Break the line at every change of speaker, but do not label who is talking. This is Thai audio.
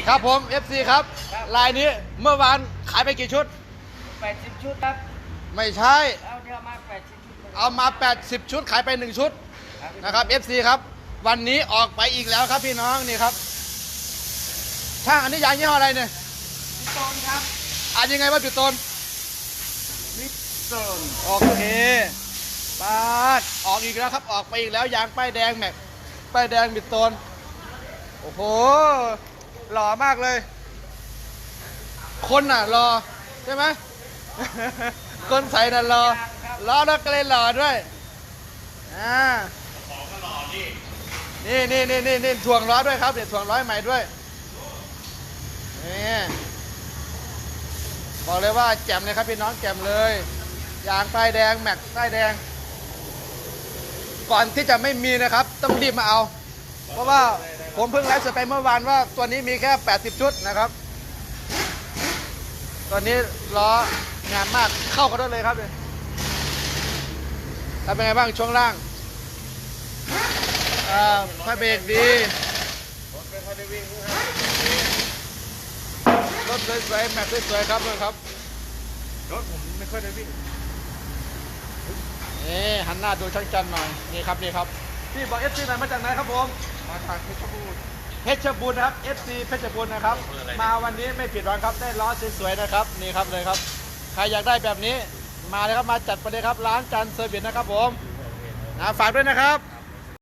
ครับผม FC ครับลายนี้เมื่อวานขายไปกี่ชุด
80 ชุดครับ
ไม่ใช่
เอาเดี๋ยวมา80 ชุด
เอามา80ชุดขายไป1ชุดนะครับ FC ครับวันนี้ออกไปอีกแล้วครับพี่น้องนี่ครับช่างอันนี้ยางยี่ห้ออะไรเนี่ย
มิโตนครับ
อ่านยังไงว่าจุดต้น
มิโตน
โอเคปาดออกอีกแล้วครับออกไปอีกแล้วยางป้ายแดงแม็กป้ายแดงมิดโตนโอ้โหหล่อมากเลยคนน่ะรอใช่ไหม คนใส่น่ะรอแล้วก็เลยหล่อด้วยนี่ถ่วงล้อด้วยครับเดี๋ยวถ่วงล้อใหม่ด้วยนี่บอกเลยว่าแจ่มเลยครับพี่น้องแจ่มเลยยางป้ายแดงแม็กป้ายแดงก่อนที่จะไม่มีนะครับต้องรีบมาเอาเพราะว่าผมเพิ่งไลฟ์สดไปเมื่อวานว่าตัวนี้มีแค่80ชุดนะครับตัวนี้ล้องานมากเข้ากันด้วยเลยครับเลยทำเป็นไงบ้างช่วงล่างผ้าเบรกดีรถสวยๆแม็กสวยๆครับเลยครับ
รถผมไม่ค่อยได้วิ่ง
นี่หันหน้าดูช่างจันหน่อยนี่ครับพี่บอก FC หน่อยมาจากไหนครับผม
มาจากเพชรบูรณ์
นะครับ FC เพชรบูรณ์นะครับมาวันนี้ไม่ผิดหวังครับได้ล้อสวยๆนะครับนี่ครับเลยครับใครอยากได้แบบนี้มาเลยครับมาจัดไปเลยครับร้านจันเซอร์วิสนะครับผมฝากด้วยนะครับ